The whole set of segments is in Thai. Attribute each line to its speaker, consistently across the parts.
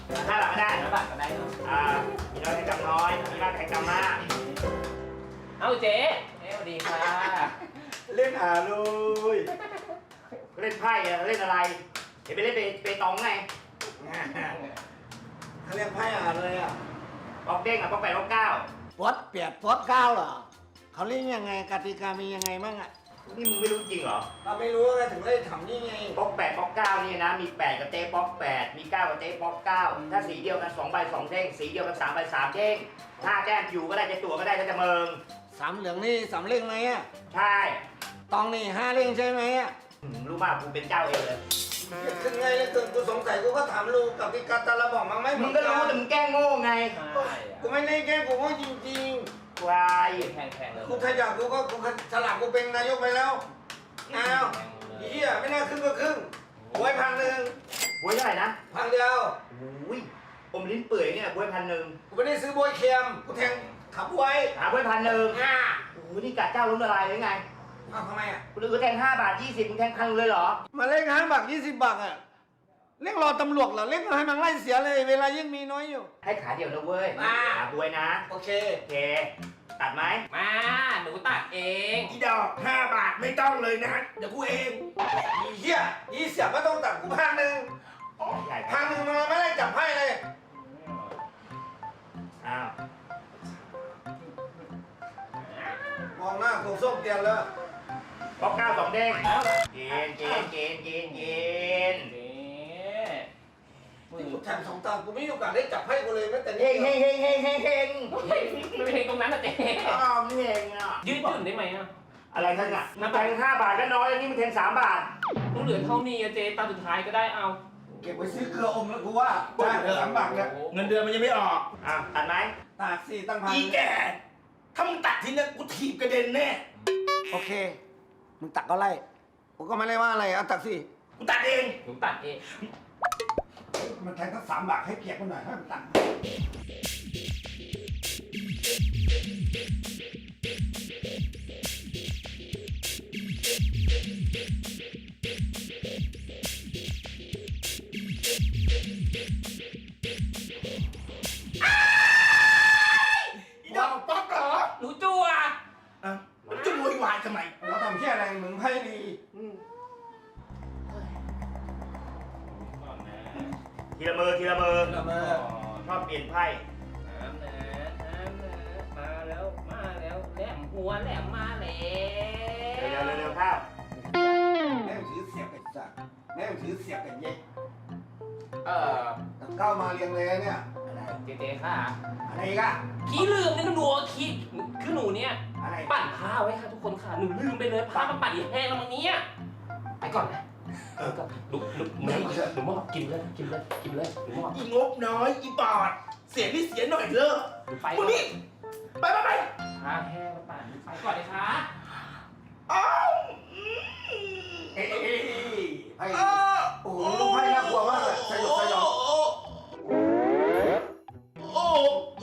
Speaker 1: 5 บาทก็ได้
Speaker 2: 5 บาทก็ได้เนาะ
Speaker 1: มีน้อยให้กำน้อยมีมากให้กำมาก
Speaker 2: เอาเจ๊สวัสดีค่ะ
Speaker 3: เล่นเลย
Speaker 1: เล่นไพ่เล่นอะไรเห็นไปเล่นเปตองไง
Speaker 3: เขาเรียกไพ่เลยอ่ะ
Speaker 1: ป๊อกเด้งป๊อก8ป๊อก9
Speaker 3: ป๊อตเปียดป๊อตเก้าเหรอเขาเล่นยังไงกติกามียังไงบ้างอ่ะ
Speaker 1: นี่มึงไม่รู้จริงเหรอ
Speaker 3: เราไม่รู้ไงถึงได้ทำนี่ไง
Speaker 1: ป๊อก8ป๊อก9นี่นะมี8กับเจ๊ป๊อก8มี9กับเจ๊ป๊อก9ถ้าสีเดียวกัน2 ใบ 2 เด้งสีเดียวกัน3 ใบ 3 เด้งถ้าแจ้งอยู่ก็ได้จะตัวก็ได้ก็จะเมิง
Speaker 3: สามเหลืองนี่สามเล่งไหมอ่ะ
Speaker 1: ใช่
Speaker 3: ตองนี่5เล่งใช่ไหมอ่ะ
Speaker 1: รู้มากกูเป็นเจ้าเองเลย
Speaker 3: ขึ้นไงเลยกูสงสัยกูก็ถามลูกกติกาตะละบอกมาไม่
Speaker 1: มึงก็รู้แต่มึงแกล้งโง่ไง
Speaker 3: กูไม่ได้แกล้งกูว่าจริง
Speaker 1: ควาย
Speaker 2: แพงๆเลย
Speaker 3: ๆกูถ้าอยากกูก็กูฉลาดกูเป็นนายกไปแล้วอ้าวเฮียไม่น่าครึ่งก็ครึ่งบวย1,000
Speaker 1: บวยเท่าไหร่นะ
Speaker 3: 1,000 เดียว
Speaker 1: อุ้ยอมลิ้นเปื่อยเนี่ยบวย1,000
Speaker 3: กูไม่ได้ซื้อบวยเค็มกูแทงขับไว้
Speaker 1: หาบวย1,000โอ้โหนี่กะเจ้าล้มละลายเลยไง
Speaker 3: อ้าวทำไมอ่ะ
Speaker 1: กูเลยแทง5 บาท 20มึงแทง1,000เลยเหรอ
Speaker 3: มาเล่น5 บาท 20 บาทอ่ะเล่นรอตำรวจเหรอเล่นให้มันไล่เสียเลยเวลายิ่งมีน้อยอยู่
Speaker 1: ให้ขาเดียวนะเว้ยหาบวยนะ
Speaker 3: โอเค
Speaker 1: โอเค ตัดไหม
Speaker 2: มาหนูตัดเอง
Speaker 4: อีดอก5 บาทไม่ต้องเลยนะ เดี๋ยวกูเอง
Speaker 3: อีเหี้ยยี่เสียไม่ต้องตัดกู1,000
Speaker 1: ใหญ่ไป
Speaker 3: 1,000มันไม่ได้จับไพ่เลย
Speaker 1: อ้าว
Speaker 3: มองหน้าโคงส้มเตียนเลย
Speaker 1: ป๊อก9 2 เด้งเกณฑ์
Speaker 2: เจ๊มึง
Speaker 3: กูแทง2 ตากูไม่มีโอกาสได้จับไพ่กูเลยแม้แต่นิ
Speaker 1: เฮ
Speaker 3: ด
Speaker 1: ง
Speaker 3: เดี
Speaker 1: เฮ
Speaker 3: ยว
Speaker 1: งเฮงเฮงเฮงเฮง
Speaker 2: ไม่เพลงตรงนั้นนะเจ๊
Speaker 1: อ้าวนี่เฮงอ่ะ
Speaker 2: ยืดหยุ่นได้ไหมอ่ะ
Speaker 1: อะไรนั่นอ่ะมึงแทง5 บาทก็น้อยแล้วนี่มึงแทง3 บาท
Speaker 2: ต้องเหลือเท่านี้อะเจ๊ตาสุดท้ายก็ได้เอา
Speaker 3: เก็บไว้ซื้อเกลืออมแล้วกูว่าได้3 บาทเนี่ย
Speaker 4: เงินเดือนมันยังไม่ออก
Speaker 1: ตัดไหม
Speaker 3: ตาก4 ตั้ง
Speaker 4: อี
Speaker 3: 1,000
Speaker 4: แกถ้ามึงตัดทีเนี้ยกูถีบกระเด็นแน่
Speaker 3: โอเคมึงตักก็ไล่กูก็ไม่ได้ว่าอะไรเอาตักสิ
Speaker 4: กูตัดเอง
Speaker 2: หนูตัดเอง
Speaker 3: มันแทงตั้ง3 บาทให้เกียรติมันหน่อยให้มันตัก
Speaker 4: อีดอกป๊อกเหรอ
Speaker 2: หนูจั่ว
Speaker 4: อ่ะมันจะโวยวายทำไม
Speaker 3: เราทำเที่ยอะไรมึงไพ่ดี
Speaker 1: ทีละมือทีละมือ
Speaker 3: ละเมอ
Speaker 1: ชอบเปลี่ยนไพ่
Speaker 2: น้ำนะมาแล้วแหลมหัวแหลมมาแล้ว
Speaker 1: เร็วเข้า
Speaker 3: แม่งถือเสียบกันจักแม่งถือเสียบกันเย็ก
Speaker 2: เออ
Speaker 3: เข้ามาเรียงเลยเนี่ย
Speaker 2: เจ๊ค่ะ
Speaker 3: อะไรอีกัน
Speaker 2: ขี้ลืมนี่ก็หนูขี้คือหนูเนี่ย
Speaker 3: อะไร
Speaker 2: ปั่นผ้าไว้ค่ะทุกคนค่ะหนูลืมไปเลยผ้ามันปั่นอีแห้งแล้วมั้งเนี่ยไปก่อนนะก็หนูมอบกินเลยหนูมอบ
Speaker 4: อีงบน้อยอีปอด เสียนี่เสียหน่อยเลิก
Speaker 2: ไป
Speaker 4: มึงนี่ไป
Speaker 2: ผ้าแห้งแล้วปั่นไปก่อนเลยค่ะ
Speaker 4: อ้าว
Speaker 3: ไพ่โอ้โหลูกไพ่น่ากลัวมากเลยสยบสยอง
Speaker 4: โอ้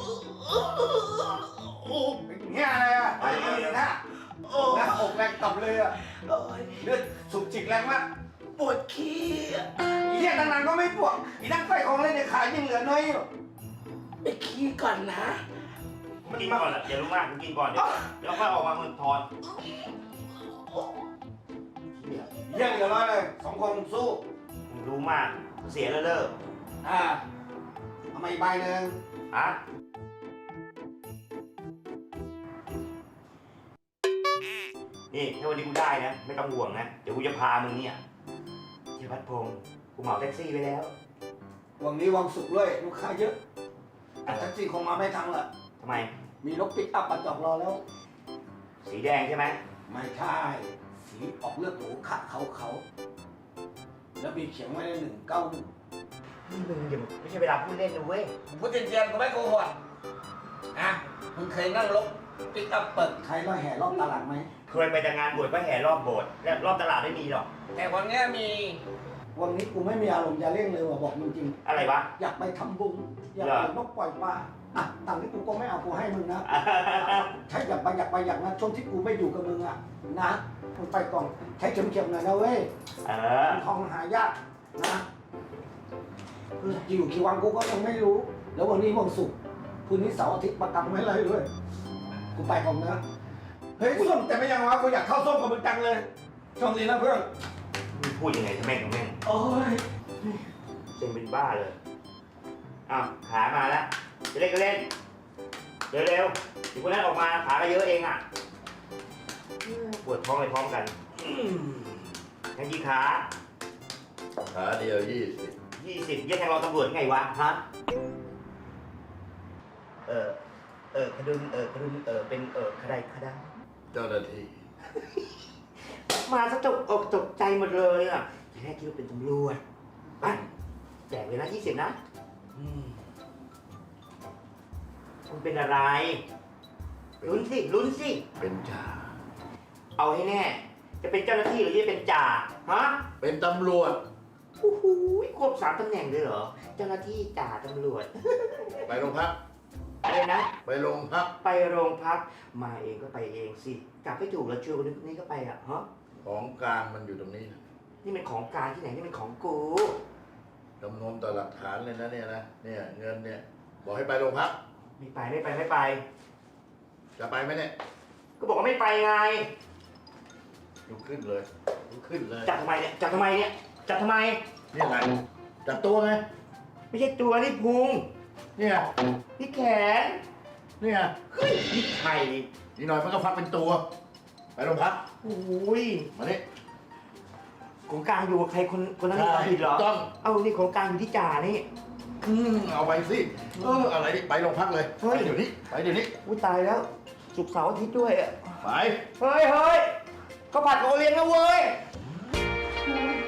Speaker 4: โอ้
Speaker 3: เนี่ยอะไรอ่ะไพ่ดีนะหน้าอกแรงต่ำเลยอ่ะเลือดสุกจิกแรงมาก
Speaker 4: ปวดขี้อะ
Speaker 3: เฮียตั้งนานก็ไม่ปวดอีนั่งไฟของเล่นเนี่ยขายยังเหลือน้อยอยู่
Speaker 4: ไปขี้ก่อนนะ
Speaker 1: กินก่อนอย่ารู้มากกินก่อนเดี๋ยวค่อยออกมาเงินทอน
Speaker 3: เฮียเหลือน้อยเลย2 คนสู้
Speaker 1: รู้มากเสียแล้วเลิก
Speaker 3: เอามาอีกใบหนึ่ง
Speaker 1: อะนี่ถ้าวันนี้กูได้นะไม่ต้องห่วงนะเดี๋ยวกูจะพามึงเนี่ยเทพัฒพงศ์กูเหมาแท็กซี่ไปแล้ว
Speaker 3: วันนี้วันศุกร์ด้วยลูกค้าเยอะแต่แท็กซี่คงมาไม่ทันละ
Speaker 1: ทำไม
Speaker 3: มีรถปิกอัพมาจอดรอแล้ว
Speaker 1: สีแดงใช่ไหม
Speaker 3: ไม่ใช่ สีออกเลือดหมูขะเขาแล้วมีเขียนไว้ใน191
Speaker 1: นี่มึงอย่าไม่ใช่เวลาพูดเล่นนะเว้ย
Speaker 3: ผมพูดเจียนๆก็ไม่โกหกอ่ะมึงเคยนั่งรถปิกอัพเปิดใครแล้วแห่รอบตลาดไหม
Speaker 1: เคยไปแต่งานบวชก็แห่รอบโบสถ์และรอบตลาดไม่มีหรอก
Speaker 3: แต่วันนี้มี วันนี้กูไม่มีอารมณ์จะเล่นเลยว่ะบอกจริง
Speaker 1: อะไรวะ
Speaker 3: ๆอยากไปทำบุญอยากไปนกปล่อยปลาอ่ะตังค์ที่กูก็ไม่เอากูให้มึงนะใช่อยากไปอยากนะช่วงที่กูไม่อยู่กับมึงอ่ะนะมึงไปก่อนใช้เข็มๆหน่อยนะเว้ย
Speaker 1: เออ
Speaker 3: ทองหายากนะอยู่กี่วันกูก็ยังไม่รู้ แล้ววันนี้วันศุกร์คืนนี้เสาร์อาทิตย์ประกันไม่ไรด้วยกูไปก่อนนะเฮ้ยส้มแต่ไม่ยังวะกูอยากเข้าส้มกับมึงจังเลยโชคดีนะเพื่อน
Speaker 1: มึงพูดยังไงทำแม่งทำแม่ง
Speaker 3: โอ้ย
Speaker 1: เซ็งเป็นบ้าเลยอ้าวขามาแล้วจะเล่นก็เล่นเร็วๆถึงคนนั้นออกมาขาก็เยอะเองอ่ะปวดท้องไปพร้อมกันยังกี่ขา
Speaker 5: ขาเดียว20
Speaker 1: 20ยังแทงเราตำรวจไงวะฮะคดึงคดึงเป็นขดายขดา
Speaker 5: เจ้าหน้าที่
Speaker 1: มาซะตกอกตกใจหมดเลยอ่ะทีแรกคิดว่าเป็นตำรวจไปแจกเลยนะ20นะคุณเป็นอะไรลุ้นสิ
Speaker 5: เป็นจ่า
Speaker 1: เอาให้แน่ จะเป็นเจ้าหน้าที่หรือจะเป็นจ่าฮะ
Speaker 5: เป็นตำรวจ
Speaker 1: โอ้โหควบ3ตำแหน่งเลยเหรอเจ้าหน้าที่จ่าตำรวจ
Speaker 5: ไปโรงพัก
Speaker 1: อะไรนะ
Speaker 5: ไปโรงพัก
Speaker 1: ไปโรงพักมาเองก็ไปเองสิกลับไม่ถูกแล้วชวนคนนี้ก็ไปอ่ะฮะ
Speaker 5: ของกลางมันอยู่ตรงนี้นะ
Speaker 1: นี่เป็นของกลางที่ไหนนี่เป็นของกู
Speaker 5: จำนวนต่อหลักฐานเลยนะเนี่ยนะ เนี่ยเงินเนี่ย บอกให้ไปโรงพัก
Speaker 1: ไม่ไป
Speaker 5: จะไปไหมเนี่ย
Speaker 1: ก็บอกว่าไม่ไปไง
Speaker 5: ลุกขึ้นเลยลุกขึ้นเลย
Speaker 1: จับทำไมเนี่ยจับทำไม
Speaker 5: นี่อะไรจับตัวไง
Speaker 1: ไม่ใช่ตัวนี่พุง
Speaker 5: เนี่ย
Speaker 1: นี่แขน
Speaker 5: เนี่ย
Speaker 1: เฮ้ยนี่ไข่
Speaker 5: นี่หน่อยมันก็ฟักเป็นตัว ไปโรงพัก
Speaker 1: โอ้ย
Speaker 5: มานี่
Speaker 1: ของกลางอยู่กับใครคนนั้นมีความผิดเหรอ
Speaker 5: ถูกต้อง
Speaker 1: เอานี่ของกลางอยู่ที่จ่านี่
Speaker 5: เอาไปสิอะไรนี่ไปโรงพักเลย
Speaker 1: เฮ้
Speaker 5: ไป
Speaker 1: ย
Speaker 5: เดี๋ยวนี้ไปเดี๋ยวนี้
Speaker 1: อุ้ยตายแล้วศุกร์เสาร์อาทิตย์ด้วยอ่ะ
Speaker 5: ไป
Speaker 1: เฮ้ยเขาผัดโอเลี้ยงนะเว้ย